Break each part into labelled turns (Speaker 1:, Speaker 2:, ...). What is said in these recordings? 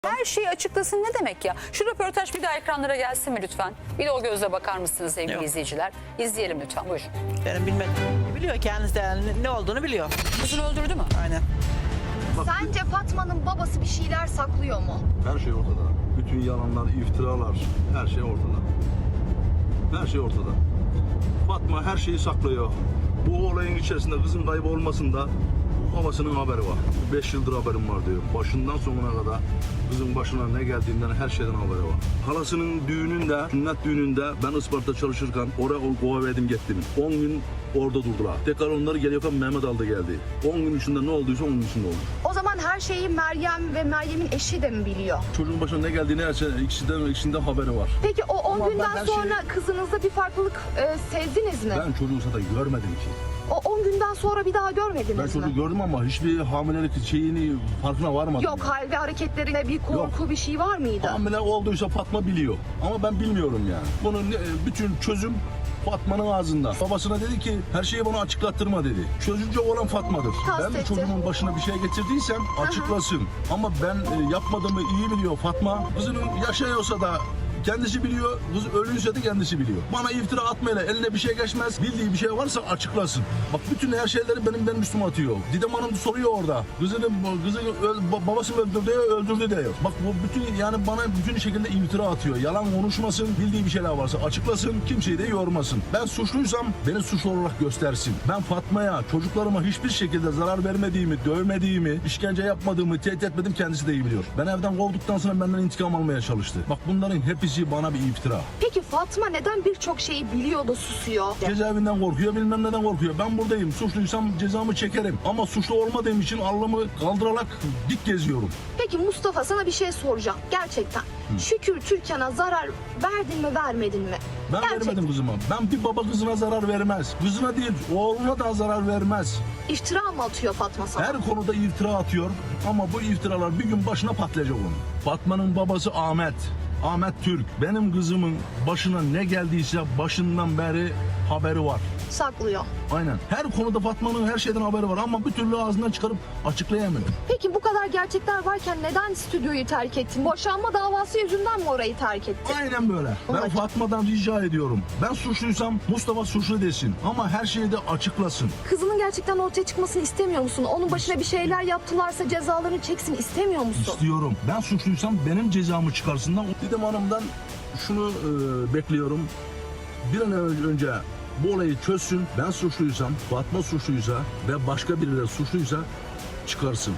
Speaker 1: Her şeyi açıklasın ne demek ya? Şu röportaj bir daha ekranlara gelsin mi lütfen? Bir de o gözle bakar mısınız sevgili
Speaker 2: Yok.
Speaker 1: izleyiciler? İzleyelim lütfen, buyurun.
Speaker 2: Benim bilmediğim biliyor kendisi de ne olduğunu biliyor.
Speaker 1: Kızını öldürdü mü?
Speaker 2: Aynen.
Speaker 3: Sence Fatma'nın babası bir şeyler saklıyor mu?
Speaker 4: Her şey ortada. Bütün yalanlar, iftiralar, her şey ortada. Her şey ortada. Fatma her şeyi saklıyor. Bu olayın içerisinde kızın kaybı olmasında babasının haberi var. 5 yıldır haberim var diyor. Başından sonuna kadar kızın başına ne geldiğinden her şeyden haberi var. Halasının düğününde, sünnet düğününde ben Isparta çalışırken oraya kovaverdim gittim. 10 gün orada durdular. Tekrar onları geliyorken Mehmet aldı geldi. 10 gün içinde ne olduysa 10 gün içinde oldu.
Speaker 3: O zaman her şeyi Meryem ve Meryem'in eşi de mi biliyor?
Speaker 4: Çocuğun başına ne geldiğini her şey, ikisinden haberi var.
Speaker 3: Peki o 10
Speaker 4: Ama ben
Speaker 3: günden
Speaker 4: her
Speaker 3: sonra
Speaker 4: şeyi-
Speaker 3: kızınızda bir farklılık sezdiniz mi?
Speaker 4: Ben çocuğu zaten görmedim ki.
Speaker 3: O 10 günden sonra bir daha
Speaker 4: Ben
Speaker 3: görmediniz
Speaker 4: çocuğu
Speaker 3: mi?
Speaker 4: gördüm ama hiçbir hamilelik şeyini farkına varmadım.
Speaker 3: Yok, hal ve hareketlerinde bir korku,
Speaker 4: Yok.
Speaker 3: bir şey var mıydı?
Speaker 4: Hamile olduysa Fatma biliyor. Ama ben bilmiyorum yani. Bunun bütün çözüm Fatma'nın ağzında. Babasına dedi ki her şeyi bana açıklattırma dedi. Çözücü olan Fatma'dır. Ben
Speaker 3: Kastetti.
Speaker 4: de çocuğumun başına bir şey getirdiysem açıklasın. Ama ben yapmadığımı iyi biliyor Fatma. Kızının yaşıyorsa da kendisi biliyor, kız ölüyse de kendisi biliyor. Bana iftira atmayla eline bir şey geçmez. Bildiği bir şey varsa açıklasın. Bak bütün her şeyleri benim üstüme atıyor. Didem Hanım soruyor orada. Kızını babası öldürdü diyor. Bak bu bütün yani bana bütün şekilde iftira atıyor. Yalan konuşmasın. Bildiği bir şeyler varsa açıklasın. Kimseyi de yormasın. Ben suçluysam beni suçlu olarak göstersin. Ben Fatma'ya, çocuklarıma hiçbir şekilde zarar vermediğimi, dövmediğimi, işkence yapmadığımı, tehdit etmedim kendisi de iyi biliyor. Ben evden kovduktan sonra benden intikam almaya çalıştı. Bak bunların hepsi bana bir iftira.
Speaker 3: Peki Fatma neden birçok şeyi biliyor da susuyor?
Speaker 4: Cezaevinden korkuyor, bilmem neden korkuyor. Ben buradayım. Suçluysam cezamı çekerim. Ama suçlu olmadığım için Allah'ımı kaldırarak dik geziyorum.
Speaker 3: Peki Mustafa, sana bir şey soracağım. Gerçekten. Şükür Türkan'a zarar verdin mi, vermedin mi?
Speaker 4: Ben vermedim kızıma. Ben bir baba kızına zarar vermez. Kızına değil, oğluna da zarar vermez.
Speaker 3: İftira mı atıyor Fatma sana?
Speaker 4: Her konuda iftira atıyor. Ama bu iftiralar bir gün başına patlayacak onun. Fatma'nın babası Ahmet. Ahmet Türk. Benim kızımın başına ne geldiyse başından beri haberi var.
Speaker 3: Saklıyor.
Speaker 4: Aynen. Her konuda Fatma'nın her şeyden haberi var ama bir türlü ağzından çıkarıp açıklayamıyor.
Speaker 3: Peki bu kadar gerçekler varken neden stüdyoyu terk ettin? Boşanma davası yüzünden mi orayı terk ettin?
Speaker 4: Aynen böyle. Ben
Speaker 3: Olacak.
Speaker 4: Fatma'dan rica ediyorum. Ben suçluysam Mustafa suçlu desin. Ama her şeyi de açıklasın.
Speaker 3: Kızının gerçekten ortaya çıkmasını istemiyor musun? Onun başına bir şeyler yaptılarsa cezalarını çeksin istemiyor musun?
Speaker 4: İstiyorum. Ben suçluysam benim cezamı çıkarsınlar. Didem Hanım'dan şunu bekliyorum. Bir an önce bu olayı çözsün. Ben suçluysam, Fatma suçluysa ve başka birileri suçluysa çıkarsın.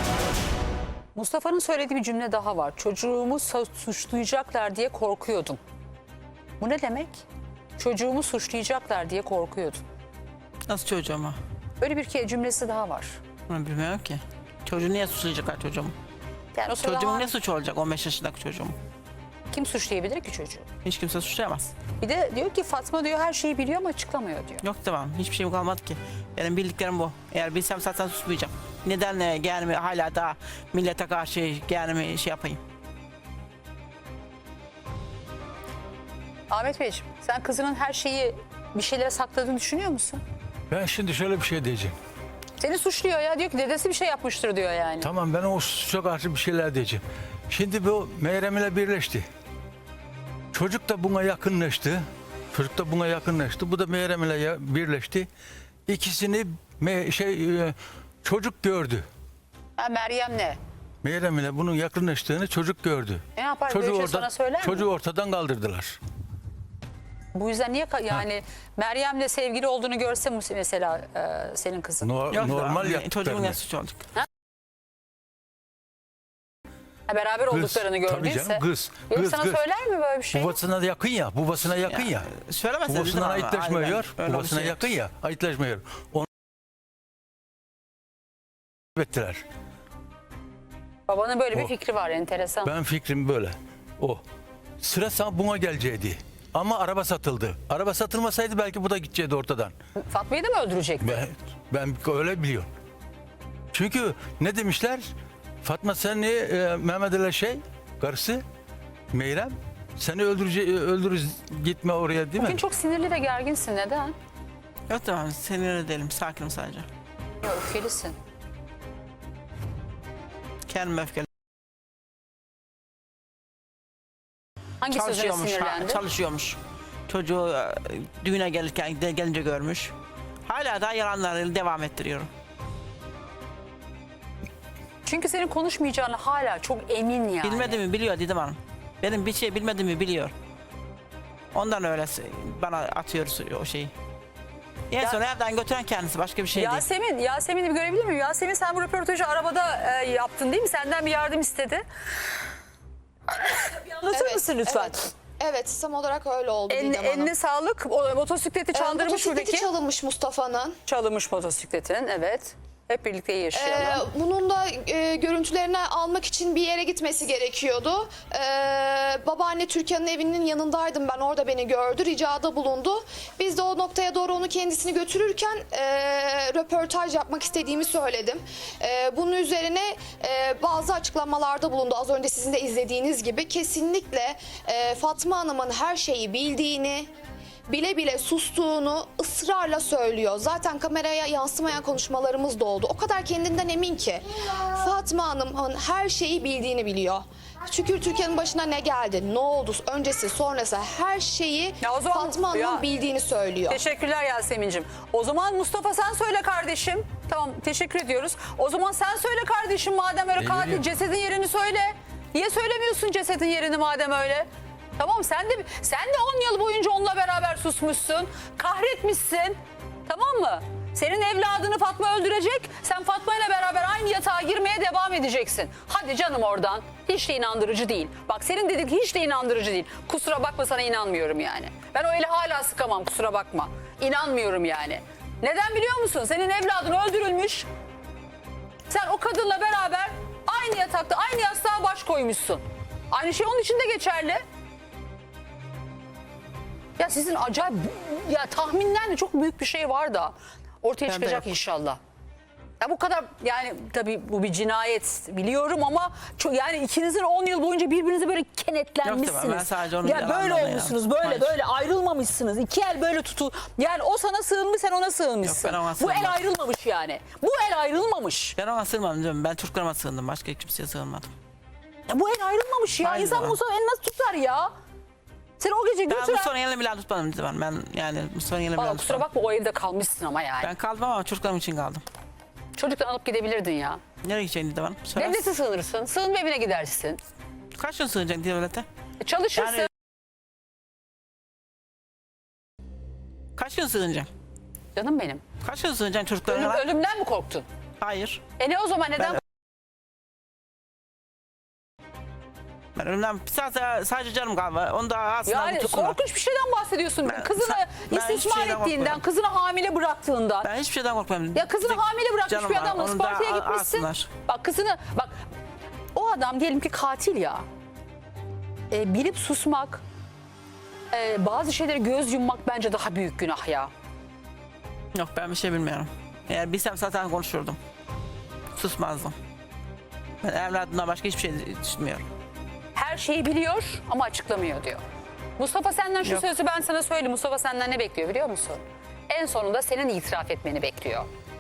Speaker 1: Mustafa'nın söylediği bir cümle daha var. Çocuğumu suçlayacaklar diye korkuyordum. Bu ne demek? Çocuğumu suçlayacaklar diye korkuyordum.
Speaker 2: Nasıl çocuğumu?
Speaker 1: Böyle bir cümlesi daha var.
Speaker 2: Ben bilmiyorum ki. Çocuğu niye suçlayacaklar çocuğumu?
Speaker 1: Yani o sırada
Speaker 2: Çocuğumun ne suçu olacak 15 yaşındaki çocuğum?
Speaker 1: kim suçlayabilir ki çocuğu?
Speaker 2: Hiç kimse suçlayamaz.
Speaker 1: Bir de diyor ki Fatma diyor her şeyi biliyor ama açıklamıyor diyor.
Speaker 2: Yok tamam, hiçbir şeyim kalmadı ki. Benim bildiklerim bu. Eğer bilsem zaten susmayacağım. Neden gelme hala da millete karşı gelme şey yapayım?
Speaker 1: Ahmet Beyciğim, sen kızının her şeyi bir şeylere sakladığını düşünüyor musun?
Speaker 5: Ben şimdi şöyle bir şey diyeceğim.
Speaker 1: Seni suçluyor ya, diyor ki dedesi bir şey yapmıştır diyor yani.
Speaker 5: Tamam, ben o suça karşı bir şeyler diyeceğim. Şimdi bu Meyrem ile birleşti. Çocuk da buna yakınlaştı. Bu da Meyrem ile birleşti. İkisini çocuk gördü.
Speaker 1: Ha, Meryem ne?
Speaker 5: Meyrem ile bunun yakınlaştığını çocuk gördü.
Speaker 1: Ne yapar? Böyle bir şey sana söyler mi?
Speaker 5: Çocuğu ortadan kaldırdılar.
Speaker 1: Bu yüzden niye yani Meryem'le sevgili olduğunu görse mesela senin kızın?
Speaker 2: Yok,
Speaker 5: Normal
Speaker 2: çocuğumun
Speaker 5: yaptıklarını.
Speaker 2: ne suçu olacak?
Speaker 1: Ha, beraber olduklarını gördüyse.
Speaker 5: Tabii canım,
Speaker 1: Gelip sana söyler mi böyle bir şey?
Speaker 5: Babasına yakın ya.
Speaker 2: Söylemezseniz
Speaker 5: Babasından
Speaker 2: değil mi ama?
Speaker 5: ayıtlaşmıyor.
Speaker 2: Aynen, öyle bir
Speaker 5: Babasına
Speaker 2: şey
Speaker 5: yakın ya. Ayıtlaşmıyor. Onu ettiler.
Speaker 1: Babanın böyle bir
Speaker 5: O.
Speaker 1: fikri var, enteresan.
Speaker 5: Ben fikrim böyle. O. Sıra sana buna geleceğiydi. Ama araba satıldı. Araba satılmasaydı belki bu da gidecekti ortadan.
Speaker 1: Fatma'yı da mı öldürecekti?
Speaker 5: Ben öyle biliyorum. Çünkü ne demişler? Fatma seni Mehmet Ali karısı Meyrem seni öldürürüz gitme oraya değil mi?
Speaker 1: Bugün çok sinirli ve gerginsin. Neden?
Speaker 2: Yok tamam, sinirli değilim, sakinim sadece.
Speaker 1: Öfkelisin.
Speaker 2: Kendime öfkeli.
Speaker 1: Hangi sözüne
Speaker 2: Çalışıyormuş.
Speaker 1: sinirlendi?
Speaker 2: Çalışıyormuş. Çocuğu düğüne gelince görmüş. Hala daha yalanlarıyla devam ettiriyorum.
Speaker 1: Çünkü senin konuşmayacağını hala çok emin yani.
Speaker 2: Bilmediğimi biliyor Didem Hanım. Benim bir şey bilmediğimi biliyor. Ondan öyle bana atıyoruz o şeyi. En son evden götüren kendisi, başka bir şey değil.
Speaker 1: Yasemin'i bir görebilir miyim? Yasemin, sen bu röportajı arabada yaptın değil mi? Senden bir yardım istedi. Anlatır
Speaker 3: Evet,
Speaker 1: mısın lütfen?
Speaker 3: Evet. Evet, tam olarak öyle oldu Didem Hanım.
Speaker 1: Eline sağlık. O motosikleti çaldırmış mı
Speaker 3: Motosikleti
Speaker 1: peki?
Speaker 3: çalınmış Mustafa'nın.
Speaker 1: Çalınmış motosikletin, evet. Hep birlikte yaşayalım.
Speaker 3: Bunun da görüntülerini almak için bir yere gitmesi gerekiyordu. Babaanne Türkan'ın evinin yanındaydım ben. Orada beni gördü, ricada bulundu. Biz de o noktaya doğru onu kendisini götürürken röportaj yapmak istediğimi söyledim. Bunun üzerine bazı açıklamalarda bulundu. Az önce sizin de izlediğiniz gibi kesinlikle Fatma Hanım'ın her şeyi bildiğini, bile bile sustuğunu ısrarla söylüyor. Zaten kameraya yansımayan konuşmalarımız da oldu. O kadar kendinden emin ki Fatma Hanım'ın her şeyi bildiğini biliyor. Şükür Türkiye'nin başına ne geldi, ne oldu, öncesi, sonrası her şeyi
Speaker 1: Ya o zaman-
Speaker 3: Fatma Hanım'ın
Speaker 1: Ya-
Speaker 3: bildiğini söylüyor.
Speaker 1: Teşekkürler Yasemin'cim. O zaman Mustafa sen söyle kardeşim. Tamam, teşekkür ediyoruz. O zaman sen söyle kardeşim, madem öyle katil,
Speaker 5: biliyorum.
Speaker 1: cesedin yerini söyle. Niye söylemiyorsun cesedin yerini madem öyle? Tamam, sen de 10 yıl boyunca onunla beraber susmuşsun. Kahretmişsin. Tamam mı? Senin evladını Fatma öldürecek. Sen Fatma ile beraber aynı yatağa girmeye devam edeceksin. Hadi canım oradan. Hiç de inandırıcı değil. Bak, senin dedik hiç de inandırıcı değil. Kusura bakma, sana inanmıyorum yani. Ben o eli hala sıkamam, kusura bakma. İnanmıyorum yani. Neden biliyor musun? Senin evladın öldürülmüş. Sen o kadınla beraber aynı yatakta, aynı yastığa baş koymuşsun. Aynı şey onun için de geçerli. Ya sizin acayip, ya tahminden de çok büyük bir şey var da ortaya
Speaker 2: Ben de
Speaker 1: çıkacak
Speaker 2: yok.
Speaker 1: inşallah. Ya bu kadar, yani tabii bu bir cinayet biliyorum ama çok, yani ikinizin 10 yıl boyunca birbirinize böyle kenetlenmişsiniz.
Speaker 2: Yok, ben sadece onun
Speaker 1: ya böyle
Speaker 2: yalanlarına
Speaker 1: olmuşsunuz,
Speaker 2: inandım.
Speaker 1: böyle
Speaker 2: Hayır.
Speaker 1: böyle ayrılmamışsınız. İki el böyle tutu. Yani o sana sığınmış, sen ona sığınmışsın.
Speaker 2: Yok, ben ona
Speaker 1: Bu el
Speaker 2: sığınmadım.
Speaker 1: ayrılmamış yani. Bu el ayrılmamış.
Speaker 2: Ben ona sığınmadım diyorum. Ben çocuklarıma sığındım. Başka kimseye sığınmadım.
Speaker 1: Ya bu el ayrılmamış ya.
Speaker 2: Aynı
Speaker 1: İnsan
Speaker 2: zaman.
Speaker 1: olsa el nasıl tutar ya? Sen o gece
Speaker 2: Ben
Speaker 1: götüren...
Speaker 2: Mustafa'nın elini bile tutmadım Didem Hanım. Ben yani Mustafa'nın elini bile
Speaker 1: Valla kusura
Speaker 2: tutmadım.
Speaker 1: bakma, o evde kalmışsın ama yani.
Speaker 2: Ben kaldım ama çocuklarım için kaldım.
Speaker 1: Çocuktan alıp gidebilirdin ya.
Speaker 2: Nereye gideceksin Didem Hanım? Söyler
Speaker 1: Devlete
Speaker 2: misin?
Speaker 1: sığınırsın. Sığınma evine gidersin.
Speaker 2: Kaç gün sığınacaksın devlete?
Speaker 1: Çalışırsın.
Speaker 2: Yani- Kaç gün sığınacaksın?
Speaker 1: Canım benim.
Speaker 2: Kaç gün sığınacaksın çocuklarına?
Speaker 1: Ölümden mi korktun?
Speaker 2: Hayır.
Speaker 1: Ne o zaman neden?
Speaker 2: Ben ölümden bir saat sadece canım kaldı. Onu da aslında
Speaker 1: Yani
Speaker 2: tutsunlar.
Speaker 1: korkunç bir şeyden bahsediyorsun. Kızını
Speaker 2: ben hiçbir
Speaker 1: istismar
Speaker 2: şeyden
Speaker 1: ettiğinden,
Speaker 2: korkmuyorum.
Speaker 1: kızını hamile bıraktığından.
Speaker 2: Ben hiçbir şeyden korkmuyorum.
Speaker 1: Ya kızını hamile bırakmış
Speaker 2: Canım
Speaker 1: bir
Speaker 2: var,
Speaker 1: adamla
Speaker 2: onu da
Speaker 1: Isparta'ya gitmişsin.
Speaker 2: alsınlar.
Speaker 1: Bak kızını, bak o adam diyelim ki katil ya. Bilip susmak, bazı şeylere göz yummak bence daha büyük günah ya.
Speaker 2: Yok, ben bir şey bilmiyorum. Eğer bilsem zaten konuşurdum. Susmazdım. Ben evladımdan başka hiçbir şey düşünmüyorum.
Speaker 1: Her şeyi biliyor ama açıklamıyor diyor. Mustafa senden şu
Speaker 2: Yok.
Speaker 1: sözü ben sana söyleyeyim. Mustafa senden ne bekliyor biliyor musun? En sonunda senin itiraf etmeni bekliyor.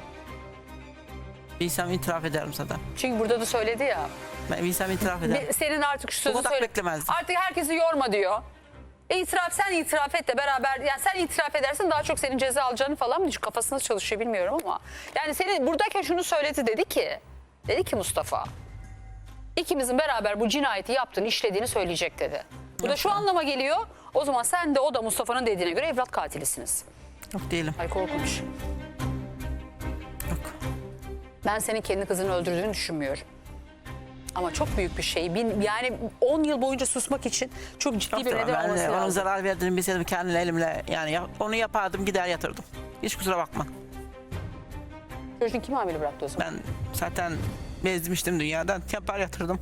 Speaker 2: Bilsem itiraf ederim zaten.
Speaker 1: Çünkü burada da söyledi ya.
Speaker 2: Ben bilsem itiraf ederim.
Speaker 1: Senin artık şu sözü
Speaker 2: kadar
Speaker 1: söyle.
Speaker 2: beklemezdim.
Speaker 1: Artık herkesi yorma diyor. Sen itiraf et de beraber, yani sen itiraf edersin daha çok senin ceza alacağını falan mı? Kafası nasıl çalışıyor bilmiyorum ama. Yani senin buradayken şunu söyledi, dedi ki Mustafa, ikimizin beraber bu cinayeti yaptığını, işlediğini söyleyecek dedi. Bu da şu anlama geliyor. O zaman sen de o da Mustafa'nın dediğine göre evlat katilisiniz.
Speaker 2: Yok değilim.
Speaker 1: Ay korkunç.
Speaker 2: Yok.
Speaker 1: Ben senin kendi kızını öldürdüğünü düşünmüyorum. Ama çok büyük bir şey. Yani 10 yıl boyunca susmak için çok ciddi
Speaker 2: Yok
Speaker 1: bir
Speaker 2: tamam,
Speaker 1: neden olması
Speaker 2: ben onun
Speaker 1: lazım.
Speaker 2: zarar verdiğini bilseydim kendi elimle yani onu yapardım, gider yatırdım. Hiç kusura bakma.
Speaker 1: Çocuğun kim hamile bıraktı o zaman?
Speaker 2: Ben zaten bezmiştim dünyadan. Yapar yatırdım.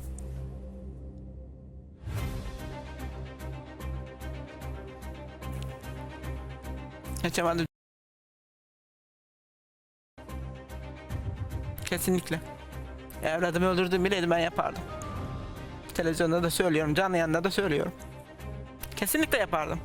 Speaker 2: Geçemedim. Kesinlikle. Evladımı öldürdüğümü bileydim ben yapardım. Televizyonda da söylüyorum, canlı yayında da söylüyorum. Kesinlikle yapardım.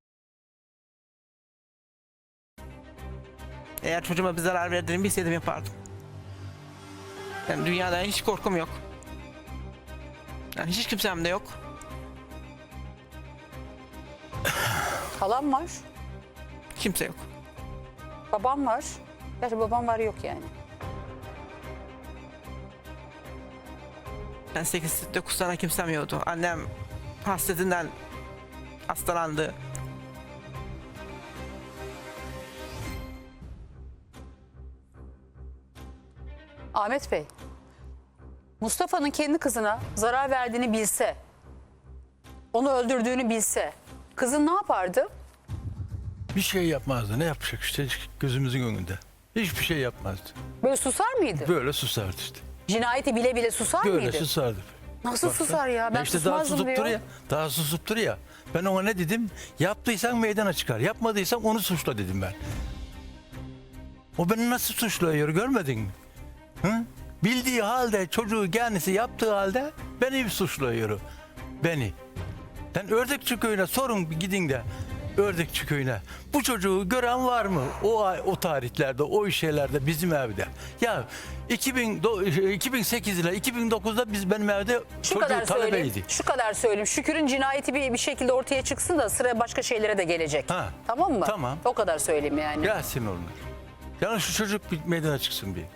Speaker 2: Eğer çocuğuma bir zarar verdiğini bilseydim yapardım. Yani dünyada hiç korkum yok. Yani hiç kimsem de yok.
Speaker 1: Halam var.
Speaker 2: Kimse yok.
Speaker 1: Babam var. Gerçi babam var yok yani.
Speaker 2: Ben 8-9 sene kimsem yoktu. Annem hasretinden hastalandı.
Speaker 1: Ahmet Bey, Mustafa'nın kendi kızına zarar verdiğini bilse, onu öldürdüğünü bilse, kızın ne yapardı?
Speaker 5: Bir şey yapmazdı. Ne yapacak işte gözümüzün önünde. Hiçbir şey yapmazdı.
Speaker 1: Böyle susar mıydı?
Speaker 5: Böyle susardı işte.
Speaker 1: Cinayeti bile bile susar
Speaker 5: Böyle
Speaker 1: mıydı?
Speaker 5: susardı.
Speaker 1: Nasıl
Speaker 5: Baksana.
Speaker 1: susar ya? Ben
Speaker 5: işte daha
Speaker 1: susmazdım
Speaker 5: susup
Speaker 1: diyor.
Speaker 5: duruyor. Daha susup duruyor. Ben ona ne dedim? Yaptıysan meydana çıkar. Yapmadıysan onu suçla dedim ben. O beni nasıl suçluyor görmedin mi? Hı? Bildiği halde çocuğu kendisi yaptığı halde beni suçluyor. Beni. Sen Ördekçi köyüne sorun gidin de. Ördekçi köyüne. Bu çocuğu gören var mı? O tarihlerde, o şeylerde bizim evde. Ya 2008 ile 2009'da benim evde
Speaker 1: Şu kadar
Speaker 5: çocuğu
Speaker 1: söyleyeyim.
Speaker 5: talebeydi.
Speaker 1: Şu kadar söyleyeyim. Şükür'ün cinayeti bir şekilde ortaya çıksın da sıra başka şeylere de gelecek.
Speaker 5: Ha,
Speaker 1: Tamam mı?
Speaker 5: tamam.
Speaker 1: O kadar söyleyeyim yani.
Speaker 5: Gelsin onlar. Yani şu çocuk bir meydana çıksın bir.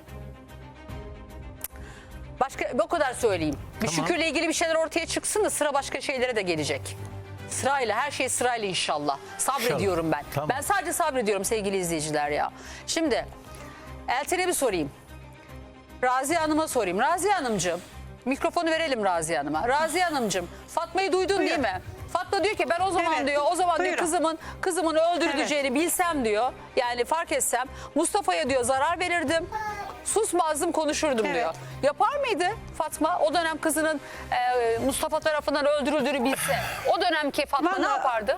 Speaker 1: Başka o kadar söyleyeyim. Bir
Speaker 5: Tamam.
Speaker 1: Şükür'le ilgili bir şeyler ortaya çıksın da sıra başka şeylere de gelecek. Sırayla, her şey sırayla inşallah. Sabrediyorum
Speaker 5: İnşallah.
Speaker 1: ben.
Speaker 5: Tamam.
Speaker 1: Ben sadece sabrediyorum sevgili izleyiciler ya. Şimdi Elten'e bir sorayım. Raziye Hanım'a sorayım. Raziye Hanımcığım, mikrofonu verelim Raziye Hanım'a. Raziye Hanımcığım, Fatma'yı duydun değil mi? Fatma diyor ki ben o zaman
Speaker 6: Evet.
Speaker 1: diyor, o zaman diyor
Speaker 6: Buyurun.
Speaker 1: kızımın öldürüleceğini bilsem diyor. Yani fark etsem Mustafa'ya diyor zarar verirdim. Susmazdım, konuşurdum
Speaker 6: Evet.
Speaker 1: diyor. Yapar mıydı Fatma? O dönem kızının Mustafa tarafından öldürüldüğünü bilse. O dönemki Fatma ne
Speaker 6: Vallahi-
Speaker 1: yapardı?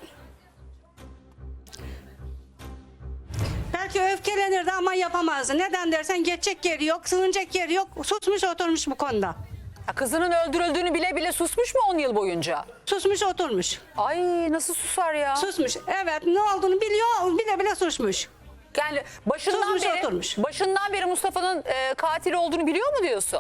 Speaker 6: Belki öfkelenirdi ama yapamazdı. Neden dersen geçecek yeri yok, sığınacak yeri yok. Susmuş oturmuş bu konuda.
Speaker 1: Ya kızının öldürüldüğünü bile bile susmuş mu 10 yıl boyunca?
Speaker 6: Susmuş oturmuş.
Speaker 1: Ay nasıl susar ya?
Speaker 6: Susmuş. Evet, ne olduğunu biliyor, bile bile susmuş.
Speaker 1: Yani başından
Speaker 6: Susmuş,
Speaker 1: beri
Speaker 6: oturmuş.
Speaker 1: başından beri Mustafa'nın katil olduğunu biliyor mu diyorsun?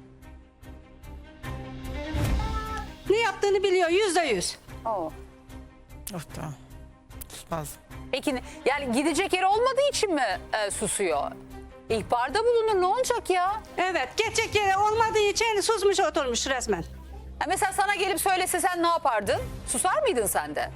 Speaker 6: Ne yaptığını biliyor, %100.
Speaker 1: Oo.
Speaker 2: Of tamam. Susmazdım.
Speaker 1: Peki yani gidecek yeri olmadığı için mi susuyor? İhbarda bulunur, ne olacak ya?
Speaker 6: Evet, geçecek yeri olmadığı için susmuş oturmuş resmen.
Speaker 1: Ha, mesela sana gelip söylese sen ne yapardın? Susar mıydın sen de?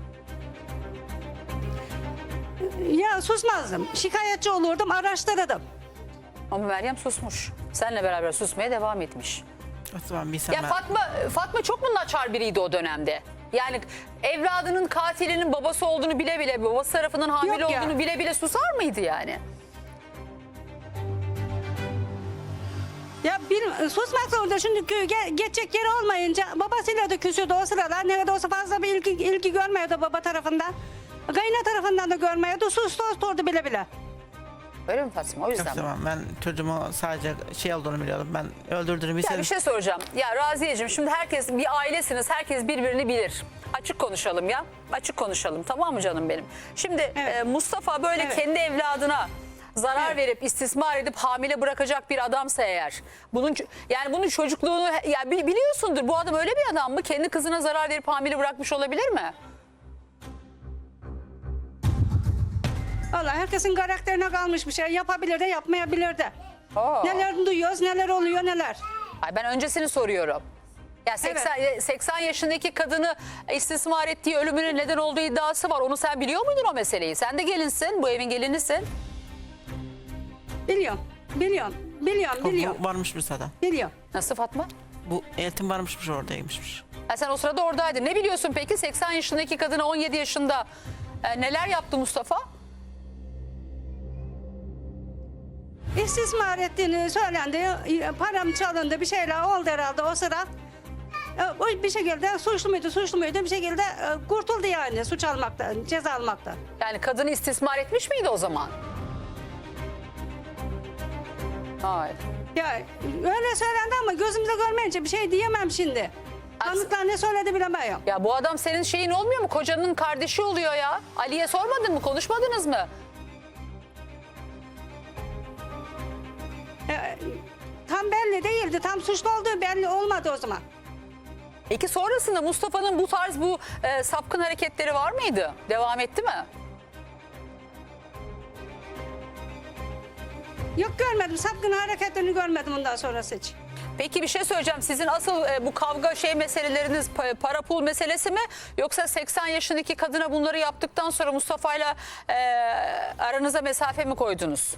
Speaker 6: Ya susmazdım. Şikayetçi olurdum, araştırırdım.
Speaker 1: Ama Meryem susmuş. Seninle beraber susmaya devam etmiş.
Speaker 2: O zaman bilsem
Speaker 1: Ya
Speaker 2: ben...
Speaker 1: Fatma çok mu naçar biriydi o dönemde? Yani evladının katilinin babası olduğunu bile bile, babası tarafından hamile
Speaker 6: Yok ya.
Speaker 1: olduğunu bile bile susar mıydı yani?
Speaker 6: Ya susmak zorunda çünkü geçecek yeri olmayınca babasıyla da küsüyordu o sırada. Ne de olsa fazla bir ilgi görmüyordu baba tarafından. Kayına tarafından da görmüyordu. Sustu oturdu bile bile.
Speaker 1: Öyle mi Fatma? O
Speaker 2: Yok
Speaker 1: yüzden mi?
Speaker 2: tamam, ben çocuğumu sadece şey olduğunu biliyordum. Ben öldürdüğünü
Speaker 1: Ya
Speaker 2: bilseydim.
Speaker 1: bir şey soracağım. Ya Raziyeciğim, şimdi herkes bir ailesiniz. Herkes birbirini bilir. Açık konuşalım ya. Açık konuşalım, tamam mı canım benim? Şimdi
Speaker 6: Evet.
Speaker 1: Mustafa böyle
Speaker 6: Evet.
Speaker 1: kendi evladına zarar
Speaker 6: Evet.
Speaker 1: verip istismar edip hamile bırakacak bir adamsa eğer, bunun çocukluğunu ya biliyorsundur, bu adam öyle bir adam mı? Kendi kızına zarar verip hamile bırakmış olabilir mi?
Speaker 6: Valla herkesin karakterine kalmış bir şey. Yapabilir de yapmayabilir de.
Speaker 1: Aa.
Speaker 6: Neler duyuyoruz, neler oluyor, neler.
Speaker 1: Ay ben öncesini soruyorum. Ya 80 yaşındaki kadını istismar ettiği, ölümüne neden olduğu iddiası var. Onu sen biliyor muydun o meseleyi? Sen de gelinsin, bu evin gelinisin.
Speaker 6: Biliyorum, biliyorum.
Speaker 2: Varmış bir zaten.
Speaker 6: Biliyorum.
Speaker 1: Nasıl Fatma?
Speaker 2: Bu Eltim varmışmış, oradaymışmış.
Speaker 1: Ha, sen o sırada oradaydın. Ne biliyorsun peki 80 yaşındaki kadına 17 yaşında neler yaptı Mustafa?
Speaker 6: İstismar ettiğini söylendi. Param çalındı, bir şeyler oldu herhalde o sıra. O bir şekilde suçlu muydu bir şekilde kurtuldu yani suç almaktan, ceza almaktan.
Speaker 1: Yani kadını istismar etmiş miydi o zaman? Hayır.
Speaker 6: Ya öyle söylendi ama gözümüzde görmeyince bir şey diyemem şimdi. Tanıklar ne söyledi bilemiyorum.
Speaker 1: Ya bu adam senin şeyin olmuyor mu? Kocanın kardeşi oluyor ya. Ali'ye sormadın mı? Konuşmadınız mı?
Speaker 6: Tam belli değildi. Tam suçlu olduğu belli olmadı o zaman.
Speaker 1: Peki sonrasında Mustafa'nın bu tarz sapkın hareketleri var mıydı? Devam etti mi?
Speaker 6: Yok görmedim. Sapkın hareketlerini görmedim ondan sonrası hiç.
Speaker 1: Peki bir şey söyleyeceğim. Sizin asıl bu kavga meseleleriniz para pul meselesi mi? Yoksa 80 yaşındaki kadına bunları yaptıktan sonra Mustafa'yla aranıza mesafe mi koydunuz?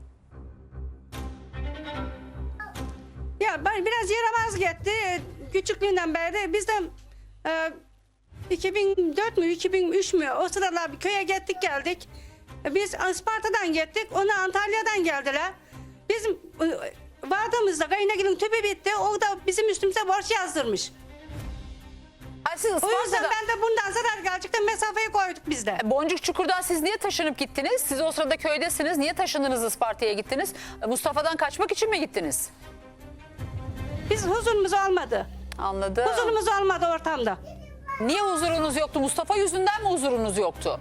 Speaker 6: Ya ben biraz yaramaz gitti. Küçüklüğünden beri biz de 2004 mü 2003 mü o sıralar bir köye gittik geldik. Biz Isparta'dan gittik. Ona Antalya'dan geldiler. Bizim vardığımızda kaynagilin tüpü bitti. O da bizim üstümüze borç yazdırmış.
Speaker 1: Ha, siz
Speaker 6: O yüzden
Speaker 1: Isparta'da,
Speaker 6: ben de bundan zarar gelecekten mesafeyi koyduk biz de.
Speaker 1: Boncuk Çukur'dan siz niye taşınıp gittiniz? Siz o sırada köydesiniz. Niye taşındınız Isparta'ya gittiniz? Mustafa'dan kaçmak için mi gittiniz?
Speaker 6: Biz huzurumuz olmadı.
Speaker 1: Anladım.
Speaker 6: Huzurumuz olmadı ortamda.
Speaker 1: Niye huzurunuz yoktu? Mustafa yüzünden mi huzurunuz yoktu?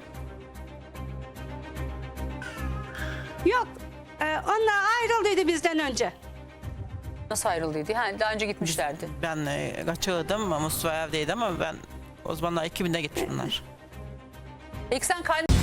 Speaker 6: Yok. Onlar ayrıldıydı bizden önce.
Speaker 1: Nasıl ayrıldıydı? Ha, daha önce gitmişlerdi.
Speaker 2: Ben kaçırdım. Mustafa evdeydi ama ben o zamanlar 2000'de gitmiş bunlar.
Speaker 1: Peki sen